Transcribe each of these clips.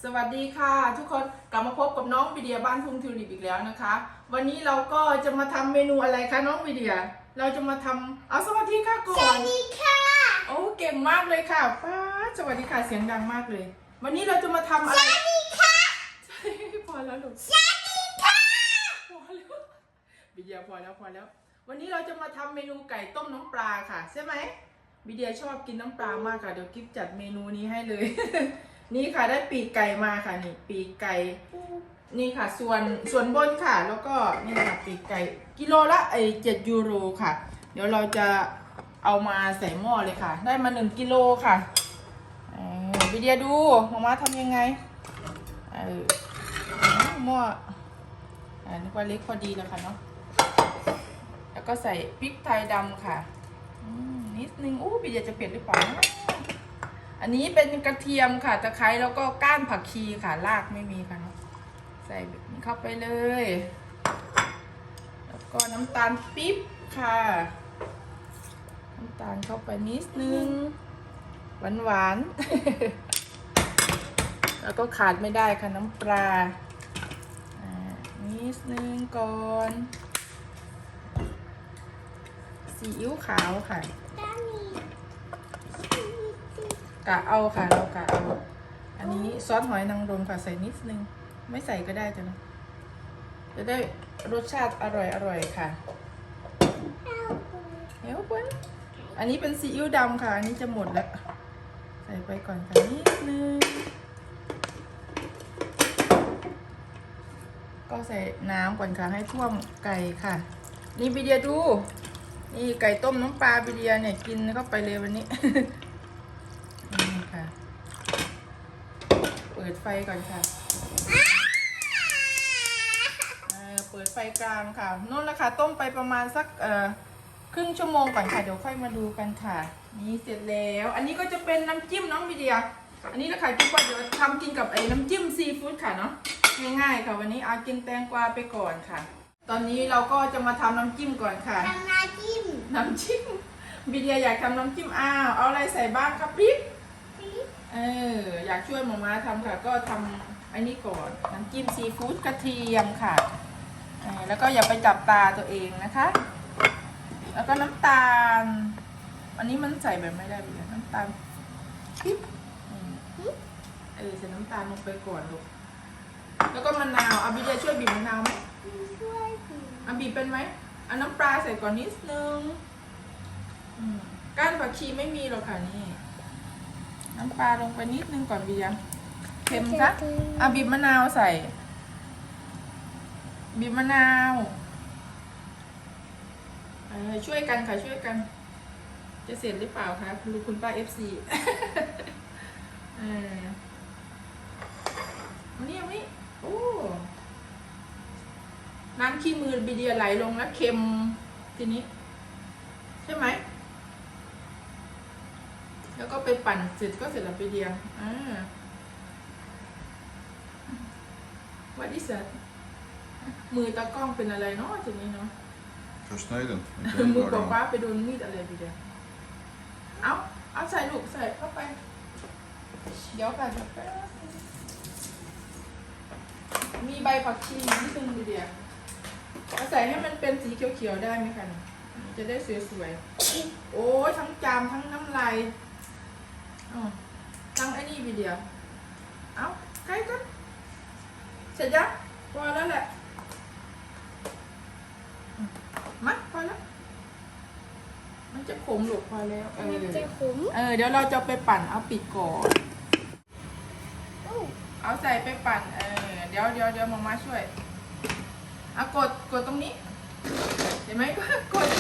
สวัสดีค่ะทุกคนกลับมาพบกับน้องวิเดียบ้านทุ่งทิวลิปอีกแล้วนะคะวันนี้เราก็จะมาทำเมนูอะไรคะน้องวิเดียเราจะมาทำเอาสวัสดีค่ะก่อนสวัสดีค่ะโอ้เก่งมากเลยค่ะป้าสวัสดีค่ะเสียงดังมากเลยวันนี้เราจะมาทำอะไรสวัสดีค่ะพอแล้วลูกสวัสดีค่ะพอแล้ววิเดียพอแล้ววันนี้เราจะมาทำเมนูไก่ต้มน้ำปลาค่ะใช่ไหมวิเดียชอบกินน้ำปลามากค่ะเดี๋ยวกิ๊บจัดเมนูนี้ให้เลย นี่ค่ะได้ปีกไก่มาค่ะนี่ปีกไก่นี่ค่ะส่วนบนค่ะแล้วก็นี่ค่ะปีกไก่กิโลละ7 ยูโรค่ะเดี๋ยวเราจะเอามาใส่หม้อเลยค่ะได้มา1 กิโลค่ะวิเดียดูมาทำยังไงหม้อนึกว่าเล็กพอดีแล้วค่ะเนาะแล้วก็ใส่พริกไทยดำค่ะนิดนึงวิเดียจะเผ็ดหรือเปล่าอันนี้เป็นกระเทียมค่ะตะไคร้แล้วก็ก้านผักชีค่ะรากไม่มีค่ะใส่แบบนี้เข้าไปเลยแล้วก็น้ำตาลปี๊บค่ะน้ำตาลเข้าไปนิดนึงหวานแล้วก็ขาดไม่ได้ค่ะน้ำปลานิดนึงก่อนซีอิ๊วขาวค่ะกะเอาค่ะเรากะเอาอันนี้ซอสหอยนางรมค่ะใส่นิดนึงไม่ใส่ก็ได้จ้ะนะจะได้รสชาติอร่อยค่ะเฮ้ยเพื่อนอันนี้เป็นซีอิ๊วดำค่ะอันนี้จะหมดแล้วใส่ไปก่อนค่ะนิดนึงก็ใส่น้ำก่อนค่ะให้ท่วมไก่ค่ะนี่วิเดียดูนี่ไก่ต้มน้ำปลาวิเดียเนี่ยกินเข้าไปเลยวันนี้นี่ค่ะเปิดไฟก่อนค่ะเปิดไฟกลางค่ะนู่นแหละค่ะต้มไปประมาณสักครึ่งชั่วโมงก่อนค่ะเดี๋ยวค่อยมาดูกันค่ะนี่เสร็จแล้วอันนี้ก็จะเป็นน้ำจิ้มน้องวิเดียอันนี้นะคะกิ๊บว่าเดี๋ยวทำกินกับน้ำจิ้มซีฟู้ดค่ะเนาะง่ายๆค่ะวันนี้เอากินแตงกวาไปก่อนค่ะตอนนี้เราก็จะมาทำน้ำจิ้มก่อนค่ะทำน้ำจิ้มวิเดียอยากทำน้ำจิ้มเอาอะไรใส่บ้างครับปิ๊บอยากช่วยหมอม้าทำค่ะก็ทำอันนี้ก่อนน้ำจิ้มซีฟู้ดกระเทียมค่ะแล้วก็อย่าไปจับตาตัวเองนะคะแล้วก็น้ำตาลอันนี้มันใส่แบบไม่ได้เลยน้ำตาลปิ๊บใส่น้ำตาลลงไปก่อนลูกแล้วก็มะนาววิเดียช่วยบีบมะนาวไหมช่วยบีบเป็นไหมเอาน้ำปลาใส่ก่อนนิดนึงก้านผักชีไม่มีหรอกค่ะนี่น้ำปลาลงไปนิดนึงก่อนวิเดียเค็มซะบีบมะนาวใส่บีบมะนาวช่วยกันค่ะช่วยกันจะเสร็จหรือเปล่าคะคุณป้าFC วันนี้โอ้น้ำขี้มือวิเดียไหลลงแล้วเค็มทีนี้ใช่ไหมแล้วก็ไปปั่นเสร็จก็เสร็จแล้ววิเดียWhat is that มือตากล้องเป็นอะไรเนาะทีนี้เนาะ Versneden. มือป้าไปโดนมีดอะไรวิเดียเอาใส่ลูกใส่เข้าไปเดี๋ยวกันมีใบผักชีนิดนึงวิเดียใส่ให้มันเป็นสีเขียวๆได้ไหมคะจะได้สวยๆโอ้ทั้งจามทั้งน้ำลายทั้งไอ้นี่วิเดียเอาใกล้กันเสร็จยังพอแล้วแหละมาพอแล้วมันจะขมหลุดพอแล้วมันจะขมเดี๋ยวเราจะไปปั่นเอาปิดก่อนเอาใส่ไปปั่นเดี๋ยวมาช่วยเอากดตรงนี้เห็นไหมก็กด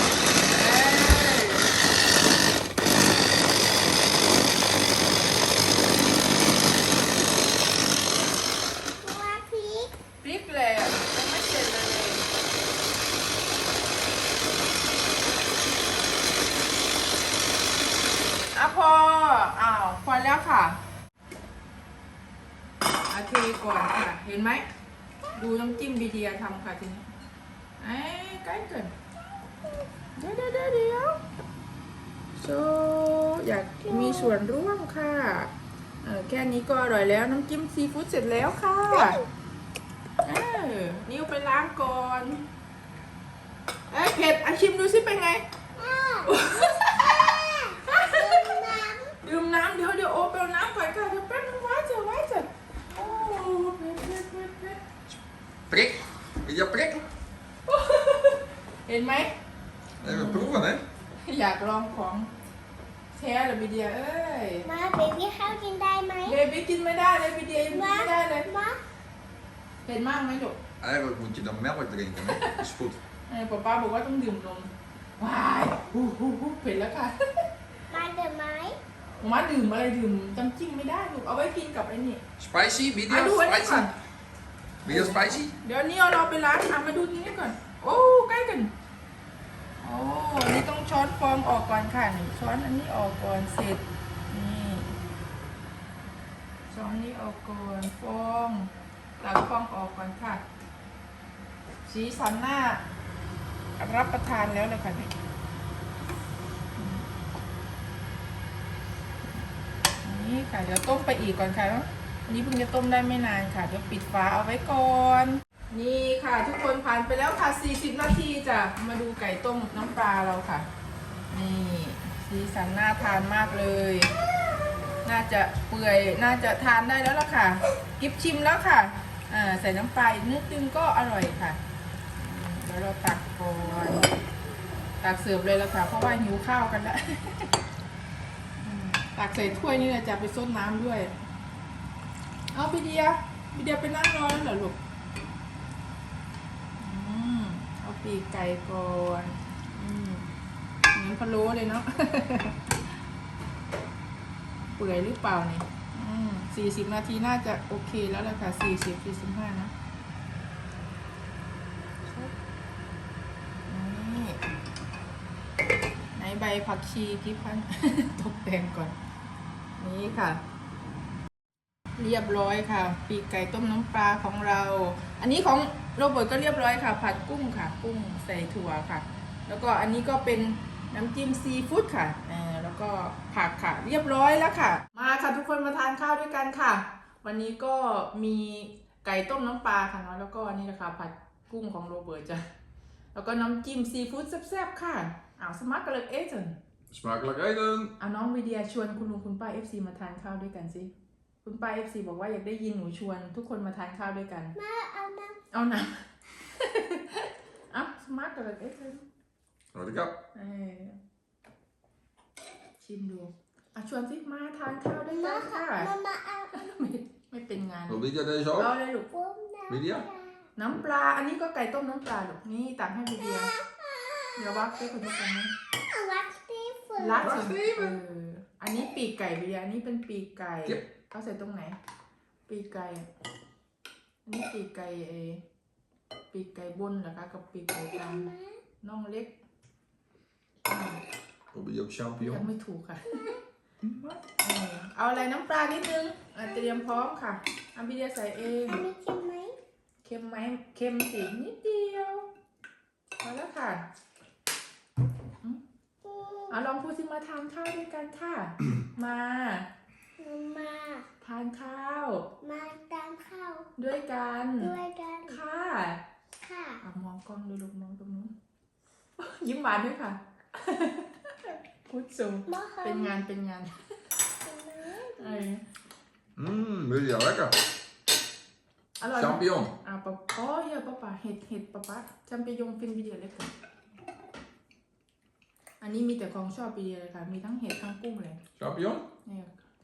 พริกเลยยังไม่เสร็จเลยพอแล้วค่ะโอเคก่อนค่ะเห็นไหมดูน้ำจิ้มวิเดียทำค่ะทีนี้ใกล้เกินเดี๋ยวอยากมีส่วนร่วมค่ะแค่นี้ก็อร่อยแล้วน้ำจิ้มซีฟู้ดเสร็จแล้วค่ะนิ้วไปล้างก่อนเผ็ดชิมดูสิเป็นไงดื่มน้ำเดี๋ยวโอเปลน้ำก่อนค่ะเดี๋ยวแป๊บนึงไว้เถอะโอ้เผ็ด Prik. Wil je prik? เห็นไหม Even proeven, hè? อยากลองของแท้หรือบีเดียเอ้ยมาเบบี้ข้าวกินได้ไหมเบบี้กินไม่ได้เลยบีเดียยังกินไม่ได้เลยมาเผ็ดมากไหมลูก Eigenlijk moet je dan melk drinken, hè? Dat is goed. ป้าบอกว่าต้องดื่มนมว้ายเผ็ดแล้วค่ะมาเดี๋ยวไหมมาดื่มอะไรดื่มจำจิ้มไม่ได้ลูกเอาไว้กินกับไอ้นี่ Spicy? ดู Medium อันนี้ก่อน spicy? Medium spicy? เดี๋ยวนี้เราไปล้างมาดูนี้ก่อนโอ้ใกล้กันโอ้นี่ต้องช้อนฟองออกก่อนค่ะช้อนอันนี้ออกก่อนเสร็จนี่ช้อนนี้ออกก่อนฟองตักฟองออกก่อนค่ะสีสันหน้ารับประทานแล้วเลยค่ะนี่ค่ะเดี๋ยวต้มไปอีกก่อนค่ะอันนี้เพิ่งจะต้มได้ไม่นานค่ะเดี๋ยวปิดฝาเอาไว้ก่อนนี่ค่ะทุกคนผ่านไปแล้วค่ะ40นาทีจ้ะมาดูไก่ต้มน้ำปลาเราค่ะนี่สีสันน่าทานมากเลยน่าจะเปื่อยน่าจะทานได้แล้วล่ะค่ะกิฟชิมแล้วค่ะใส่น้ำปลาอีกนิดนึงก็อร่อยค่ะเดี๋ยวเราตักก่อนตักเสิร์ฟเลยแล้วค่ะเพราะว่าหิวข้าวกันแล้วตักใส่ถ้วยนี่จะไปซดน้ำด้วยเอาพี่เดียไปนั่งรอแล้วเหรอลูกเอาปีกไก่ก่อนเหมือนพะโล้เลยเนาะ เปื่อยหรือเปล่าเนี่ย40นาทีน่าจะโอเคแล้วแหละค่ะ40-45นะนี่ไหนใบผักชีพี่พัน ตกแต่งก่อนนี่ค่ะเรียบร้อยค่ะปีกไก่ต้มน้ำปลาของเราอันนี้ของโรเบิร์ตก็เรียบร้อยค่ะผัดกุ้งค่ะกุ้งใส่ถั่วค่ะแล้วก็อันนี้ก็เป็นน้ำจิ้มซีฟู้ดค่ะแล้วก็ผักค่ะเรียบร้อยแล้วค่ะมาค่ะทุกคนมาทานข้าวด้วยกันค่ะวันนี้ก็มีไก่ต้มน้ำปลาค่ะเนาะแล้วก็นี่นะคะผัดกุ้งของโรเบิร์ตจ้ะแล้วก็น้ำจิ้มซีฟู้ดแซ่บๆค่ะสมัครกันเลย Smakelijk eten! น้องวิเดียชวนคุณลุงคุณป้า FC มาทานข้าวด้วยกันสิคุณป้า FC บอกว่าอยากได้ยินหนูชวนทุกคนมาทานข้าวด้วยกันมาเอาน้เอานะ สมาร์ทกับเอ็กซ์ Wat ik heb. ชิมดูชวนสิมาทานข้าวด้วยำกัมาน ค่ะค่ะมาเอาไม่เป็นงาน Wil Lydia deze เอา ook? เลยลูกปุ้มน้ำ Lydia? น้ำปลาอันนี้ก็ไก่ต้มน้ำปลาลูกนี่ตักให้วิเดียเดี๋ยววักให้คุณผู้ชมนะวัดสตีฟนรัดสิอันนี้ปีกไก่วิเดียอันนี้เป็นปีกไก่เขาใส่ตรงไหนปีกไก่อันนี้ปีกไก่ปีกไก่บนเหรอคะกับปีกไก่กลางน่องเล็ก Wil je ook ยัง champignon? ไม่ถูกค่ะเอาอะไรน้ำปลานิดนึงเตรียมพร้อมค่ะวิเดียใส่เองอันนี้เค็มไหมเค็มไหมเค็มสินิดเดียวพอแล้วค่ะลองพูดสิมาทานข้าวด้วยกันค่ะ มามาทานข้าวมาตามข้าวด้วยกันด้วยกันค่ะค่ะมองกล้องดูลูกมองตรงนู้น ยิ้มหวานด้วยค่ะ พูดสูงมาค่ะเป็นงาน Lydia, lekker! อร่อย Champignon! เฮียป้าเห็ดป้าจำไปยงฟินวิดีโอเล็กก่อนอันนี้มีแต่ของชอบวิดีโอเลยค่ะมีทั้งเห็ดทั้งกุ้งเลย Champignon? เนี่ย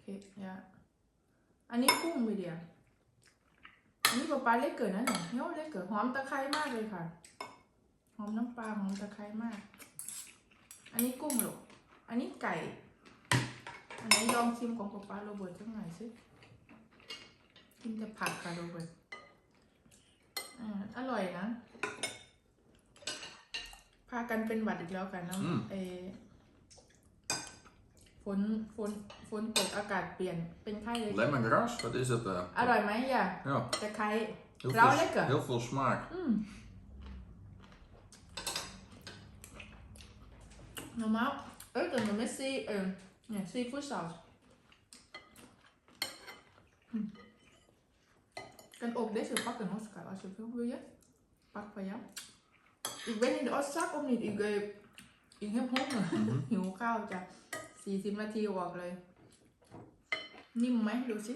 อันนี้กุ้งวิดีโออันนี้ป้าเล็กเกินนะเนี่ยเล็กเกินหอมตะไคร้มากเลยค่ะหอมน้ำปลาหอมตะไคร้มากอันนี้กุ้งหรออันนี้ไก่อันนี้ลองชิมของป้าโรเบิร์ตสักหน่อยสิกินแต่ผักค่ะโรเบิร์ตอร่อยนะพากันเป็นหวัดอีกแล้วกันนะฝนตกอากาศเปลี่ยนเป็นไข้เลย Lemongrass, wat is het? อร่อยไหมย่ะ Ja, ตะไคร้ heel เรา veel, เล็กเหรอ heel veel smaak. normaal eten we metซีเนี่ยซีฟู้ดซอส Kan ook deze pakken, Oscar, als je wil je. Pak van jou. Ik ben in de Oscar of niet? Ik heb honger. หิวข้าวจ้ะ40 นาทีออกเลย นิ่มไหมดูสิ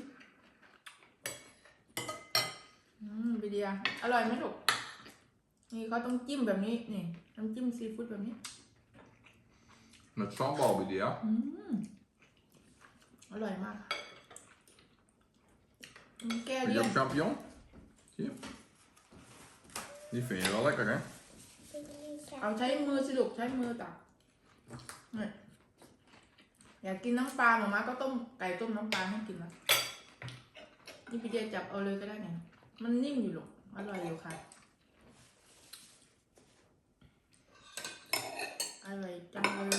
วิดีโออร่อยไหมลูกนี่เขาต้องจิ้มแบบนี้นี่น้ำจิ้มซีฟู้ดแบบนี้ Met sambal, Lydia. อร่อยมากแก้ Vind เลี่ je ยน ook champignon? Zie je? Die vind je wel lekker, hè? เอาใช้มือสิลูกใช้มือตักนี่อยากกินน้ำปลาหม่าม่าก็ต้มไก่ต้มน้ำปลาให้กินนะนี่พี่เดียจับเอาเลยก็ได้ไงมันนิ่มอยู่ลูกอร่อยอยู่ค่ะอร่อยจังเลย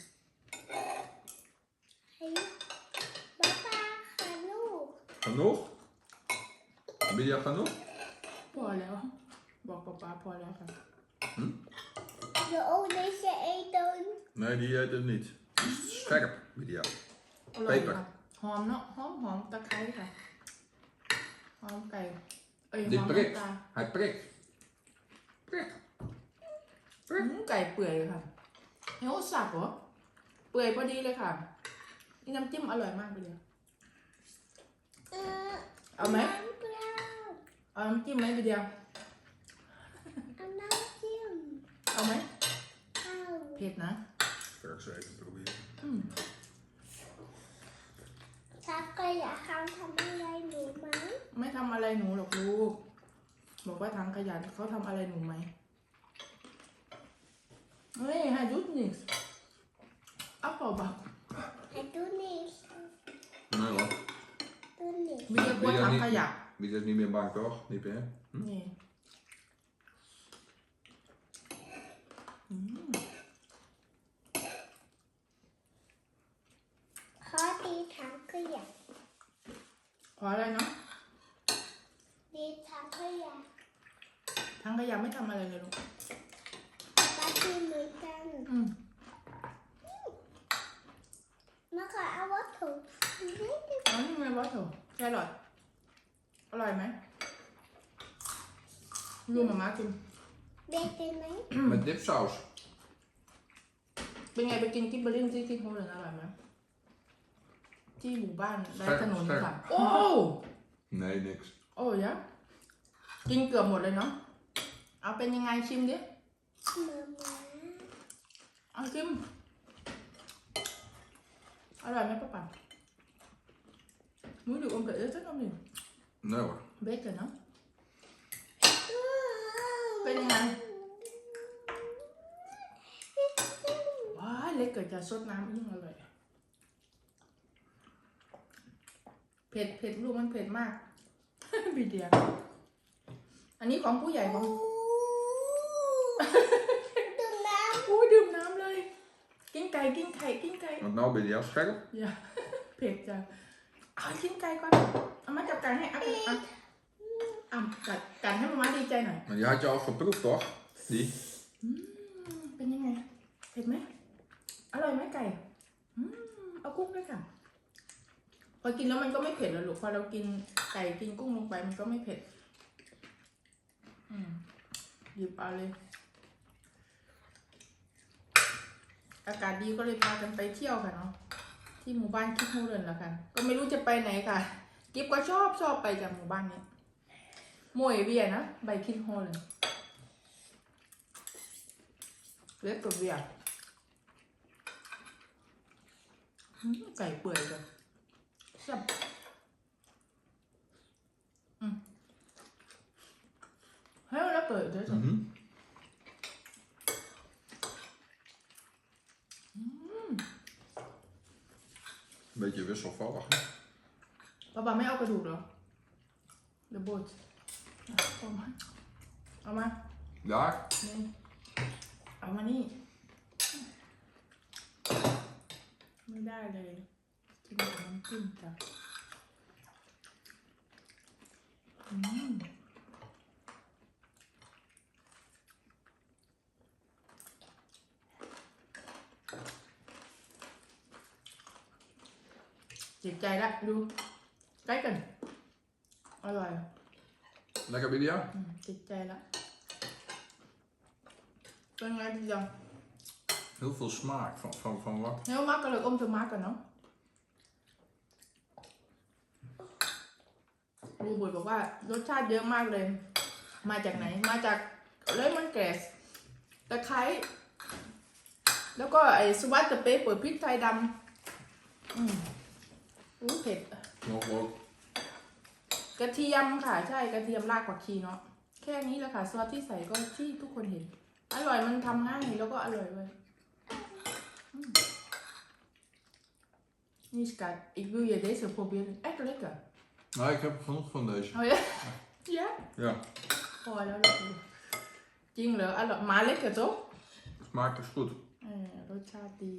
Hey, papa, genoeg. Genoeg? Lydia, genoeg? พอแล้ว บอกป๊าพอแล้วค่ะ Je ook deze eten. Nee, die eet het niet. Die is scherp, Lydia. อร่อยอยู่ค่ะหอมเนาะหอมตะไคร้ค่ะหอมไก่หอ Die ม prikt. น้ำตาล Hij prikt. Prik. ไก่เปื่อยเลยค่ะเฮ้ยสับเหรอเปื่อยพอดีเลยค่ะนี่น้ำจิ้มอร่อยมากเลยเอาไหม Blauw. เอาน้ำจิ้มไหมพี่เดียว En nou Jim. เอาไหม Au. เผ็ดนะ Ga ik zo even proberen. Papa, je gaat van mij doen, man. ไม่ทำอะไรหนูหรอกลูกบอกว่าทางขยันเขาทำอะไรหนูไหมเฮ้ยให้ดูนิสอัพเปล่าบัก Hij doet niks. Nee hoor. Doet niks. มีแต่กลัวทางขยะ Lydia is niet meer bang, toch? Niet meer? นี่ Gaat die tanken, ja. ขออะไรเนาะ Die tanken, ja. ทางขยะไม่ทำอะไรเลยลูก Wat die moet dan. อืม Dan ga ik wat doen. Weet je? อ๋อนี่ไงบอสโถแครอทอร่อยไหมดูหมาม่ากิน Weet je mij? Met dipsaus. เป็นไงไปกินกิบเบอร์รี่ที่โฮเลยอร่อยไหมที่หมู่บ้านไร้ถนนค่ะโอ้ Nee, niks. โอ้ยะกินเกือบหมดเลยเนาะเอาเป็นยังไงชิมดิ Mama. เอาชิมอร่อยไหมป้าป๋าmuốn được ôm cái rất không nhỉ Nee hoor. biết rồi nó เป็นยังไงว้ายเล็กเกิดจะซดน้ำยิ่งอร่อยเผ็ดลูกมันเผ็ดมาก บีเดียอันนี้ของผู้ใหญ่ของ Doe nou. อู้ดื่มน้ำเลย กินไก่ Want nou ben je al scherp. อย่า เผ็ดจังเอากินไก่ก่อนเอามาจับไก่ให้อ่ะกัดให้มาม่าดีใจหน่อย Maar die had je al geproefd, toch? Die? เป็นยังไง เผ็ดไหม อร่อยไหมไก่เอากุ้งด้วยค่ะ พอกินแล้วมันก็ไม่เผ็ดแล้วลูก พอเรากินไก่กินกุ้งลงไปมันก็ไม่เผ็ดหยิบเอาเลย อากาศดีก็เลยพากันไปเที่ยวค่ะเนาะ ที่หมู่บ้านคิดฮูเรนละค่ะ ก็ไม่รู้จะไปไหนค่ะ กิฟก็ชอบไปจากหมู่บ้านนี้มวยเวียนะใบคิดฮูเรนเล็กกับเวียไก่เปื่อยจ้ะแซ่บให้มันแล้วเปิดด้วยจ้ะ Mhm. Beetje wisselvallig. ป้าไม่เอากระดูกเหรอเดอะโบดเอามา Daar. นี่เอามานี่ ไม่ได้เลยกินกับน้ำจิ้มจ้ะเจ็บใจละดูใกล้กันอร่อย Lekker Lydia? ติดใจละเป็นไงพี่จัง Heel veel smaak van wat? Heel makkelijk om te maken, no? ลุงบุญบอกว่ารสชาติเยอะมากเลย มาจากไหน มาจากเลมอนแกรสตะไคร้แล้วก็ไอ้สวัสดิ์เปเปอร์พริกไทยดำเผ็ด Nog ook. กระเทียมค่ะ ใช่กระเทียมรากผักชีเนาะแค่นี้แหละค่ะซอสที่ใส่ก็ที่ทุกคนเห็น อร่อยมันทำง่ายแล้วก็อร่อยเลยนี่schat ik wil je deze proberen echt lekker Nou, ik heb genoeg van deze. oh ja ja Ja, พอแล้วเลยจริงเหรออร่อยมาเล็กเหรอจ๊ะ smaakt is goed. รสชาติดี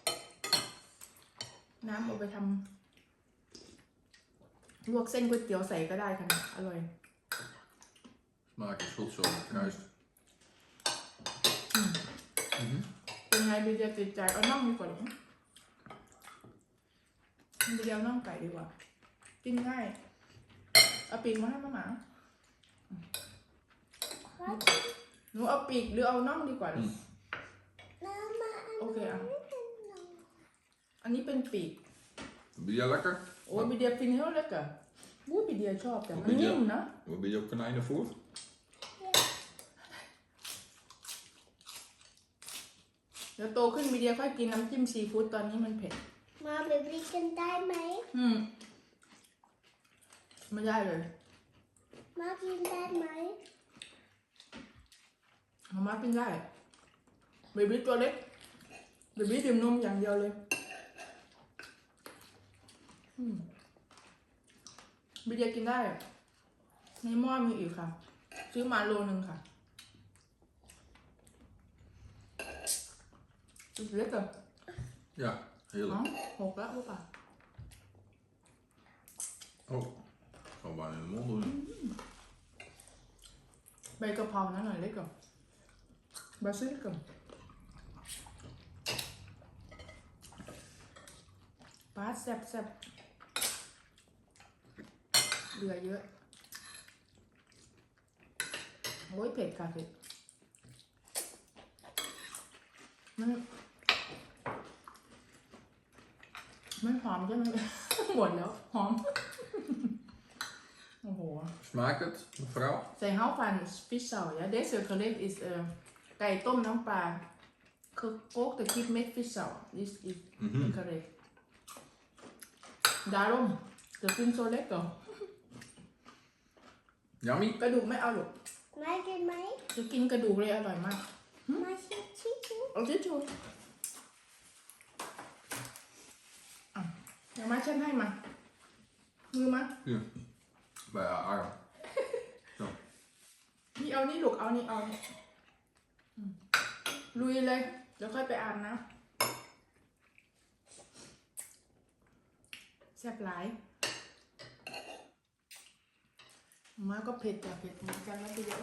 น้ำเอาไปทำลวกเส้นก๋วยเตี๋ยวใส่ก็ได้ค่ะอร่อย Smaak is goed zo gekruist. เป็นไงบีเดียติดใจเอาน่องดีกว่าหรอบีเดียวน่องไก่ดีกว่ากินง่ายเอาปีกมาให้มาหมาหนูเอาปีกหรือเอาน่องดีกว่า โอเคอ่ะอันนี้เป็นปีก Lydia lekker? โอ้บีเดียฟินเฮลเล็กอะบู๊บีเดียชอบแต่มันนิ่มนะ Wil je ook konijnenvoer? เดี๋ยวโตขึ้นบีเดียค่อยกินน้ำจิ้มซีฟู้ดตอนนี้มันเผ็ดมาเบบี้กินได้ไหมไม่ได้เลยมากินได้ไหมมาม่ากินได้เบบี้ตัวเล็กเบบี้ดื่มนมอย่างเดียวเลยบีเดียกินได้ในหม้อมีอีกค่ะซื้อมาโลนึงค่ะเล็กอะ Ja, heerlijk. หกแล้วหรือเปล่า Oh, gewoon bijna in de mond doen. ใบกะเพรานะหน่อยเล็กก่อนบาซิลิกก่อนปลาแซ่บเหลือเยอะโอ้ยเผ็ดค่ะเผ็ดมันหอมใช่ไหม หมดแล้วหอม โอ้โห Smaakt het, mevrouw? Zij houdt van vissaus, ja. Deze gerecht is ไก่ต้มน้ำปลา gekookte kip met vissaus. Dit is het gerecht. Daarom, dat vind ik zo lekker. Yummy? กระดูกไม่เอาหรอกมากินไหมจะกินกระดูกเลยอร่อยมากมาชิมชิมเอาทิชชู่เดี๋ยวมาฉันให้มา มือมา Hier. Bij haar arm. Zo. นี่เอานี่ลูกเอานี่เอานี่ลุยเลย เดี๋ยวค่อยไปอาบน้ำแซ่บหลายมาก็เผ็ดแต่เผ็ดเหมือนกันนะพี่เดี๋ยว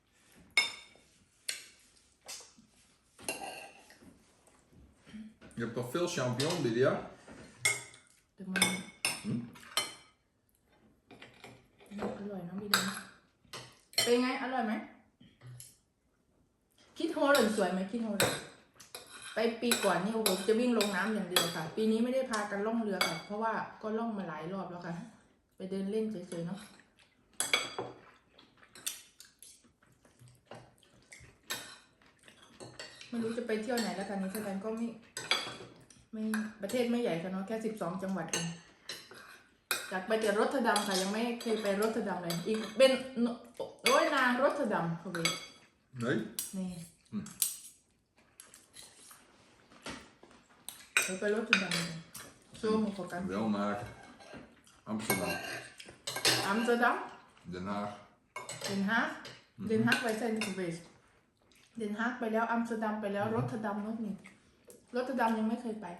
Je hebt toch veel champignon, Lydia? แต่มันอร่อยนะพี่เดี๋ยวเป็นไงอร่อยไหมคิดโฮลสวยไหมคิดโฮลไปปีก่อนนี่โอ้โหจะวิ่งลงน้ำอย่างเดียวค่ะ ปีนี้ไม่ได้พากันล่องเรือค่ะ เพราะว่าก็ล่องมาหลายรอบแล้วค่ะ ไปเดินเล่นเฉยๆเนาะไม่รู้จะไปเที่ยวไหนแล้วกันนี้เท่านั้นก็ไม่ประเทศไม่ใหญ่ค่ะเนาะแค่12 จังหวัดเองอยากไปแต่รอตเทอร์ดัมค่ะยังไม่เคยไปรอตเทอร์ดัมเลยอีกเป็นโอ้ยนารอตเทอร์ดัมเขาไป Nee? นี่ไปรอตเทอร์ดัมเลยโชว์มาโฟกัส Wel naar Amsterdam. อัมสเตอร์ดัม Den Haag. เดนฮากเดนฮากไปเซนต์เวสเดนฮากไปแล้วอัมสเตอร์ดัมไปแล้วรอตเทอร์ดัมนู่นนี่รอตเทอร์ดัมยังไม่เคยไป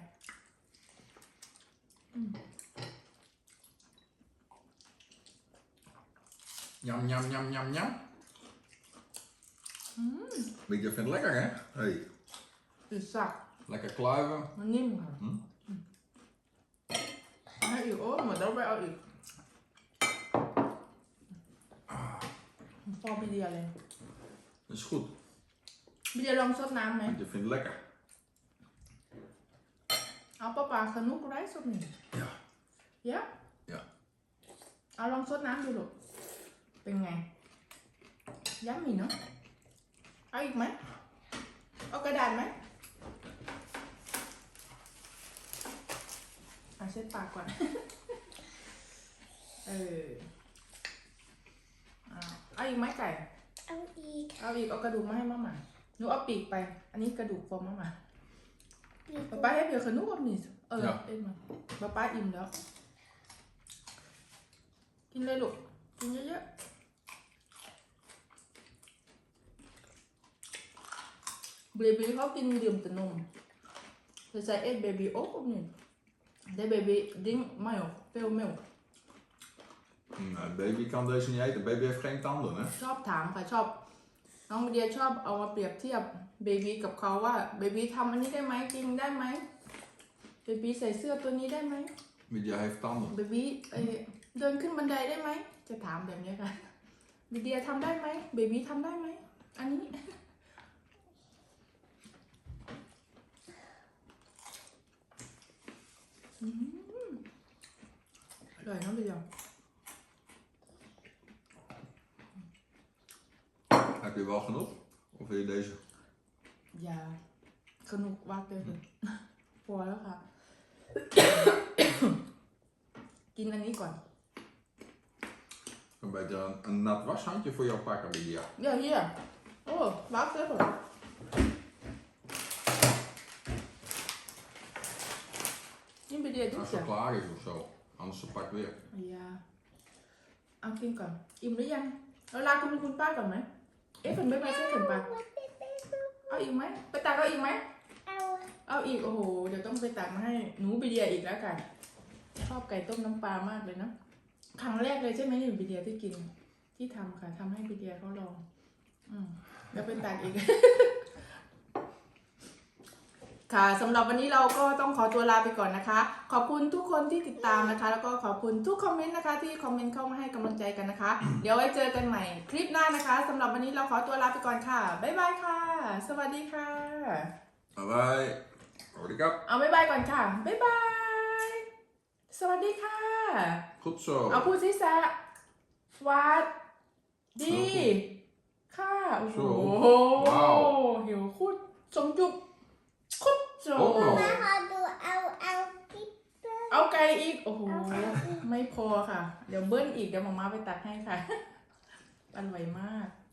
Jam, jam, jam, jam, jam. Lydia vindt het lekker, hè? Hey. อือสัก Lekker kluiven. มันนิ่มค่ะให้อีกโอ้เหมือนเราไปเอาอีกอบิเดียเลย Dat is goed. บิเดียลองซดน้ำไหม Want je vindt het lekker. เอาปลาขนุกไรซดหนึ่ง Ja. เยอะ Ja. เอาลองซดน้ำดูลูกเป็นไงยัมมี่เนาะเอาอีกไหมเอากระดาษไหมเช็ดปากก่อน เอาอีกไหมไก่เอาอีกเอาอีกเอากระดูกมาให้มาม่าหนูเอาปีกไป อันนี้กระดูกฟอมมาม่าปีกป๊าให้เบียร์ขนุกกับนี่เอ็นมาป๊าอิ่มแล้ว กินเลยลูก กินเยอะๆเบบี้เขากินดื่มแต่นมแต่ใส่เอ็ดเบบี้โอ๊กกับนี่ได้เบบี้ดิ้งไม่หรอกเปรี้ยวไม่หรอก Nou, baby kan deze niet eten. Baby heeft geen tanden, hè? ชอบถามค่ะชอบ น้องเดียชอบเอามาเปรียบเทียบเบบี้กับเขาว่าเบบี้ทำอันนี้ได้ไหมจริงได้ไหมเบบี้ใส่เสื้อตัวนี้ได้ไหม Lydia heeft tanden. เบบี้เดินขึ้นบันไดได้ไหมจะถามแบบนี้ค่ะเบบี้ทำได้ไหมเบบี้ทำได้ไหมอันนี้อร่อยน้องเดียว Heb je wel genoeg? Of wil je deze? อย่าสนุกวักเลยพอแล้วค่ะ กินอันนี้ก่อน Een beetje een nat washandje voor jou pakken, Lydia. เยี่ยเยี่ยโอ้วักเลยเหรอนี่ไปเดียวทุก Als เสีย het klaar is of zo. Anders ze pakt weer. อย่าเอากินก่อน อิ่มหรือยังเราลาคุณป้าก่อนไหมเอ๊ะฝนไม่ไปใช่ฝนปะเอาอีกไหมไปตักเอาอีกไหมเอาเอาอีกโอ้โหเดี๋ยวต้องไปตักมาให้หนูไปเดียอีกแล้วกันชอบไก่ต้มน้ำปลามากเลยนะครั้งแรกเลยใช่ไหมนี่ไปเดียที่กินที่ทำค่ะทำให้ไปเดียเขาลองเดี๋ยวไปตักอีก ค่ะสำหรับวันนี้เราก็ต้องขอตัวลาไปก่อนนะคะ ขอบคุณทุกคนที่ติดตามนะคะ แล้วก็ขอบคุณทุกคอมเมนต์นะคะที่คอมเมนต์เข้ามาให้กำลังใจกันนะคะ เดี๋ยวไว้เจอกันใหม่คลิปหน้านะคะสำหรับวันนี้เราขอตัวลาไปก่อนค่ะบ๊ายบายค่ะ สวัสดีค่ะ Bye bye. Hoorikap. เอาบ๊ายบายก่อนค่ะบ๊ายบาย สวัสดีค่ะ Goed zo. เอาพูดซิซะสวัสดีค่ะโอ้โหว้าวหิวคุดสมจุบคุดโจโอ้โหแม่ขอดูเอากิ๊บเอาไก่อีก โอ้โห ไม่พอค่ะ เดี๋ยวเบิ้ลอีก เดี๋ยวหมอมาไปตัดให้ค่ะ อร่อยมาก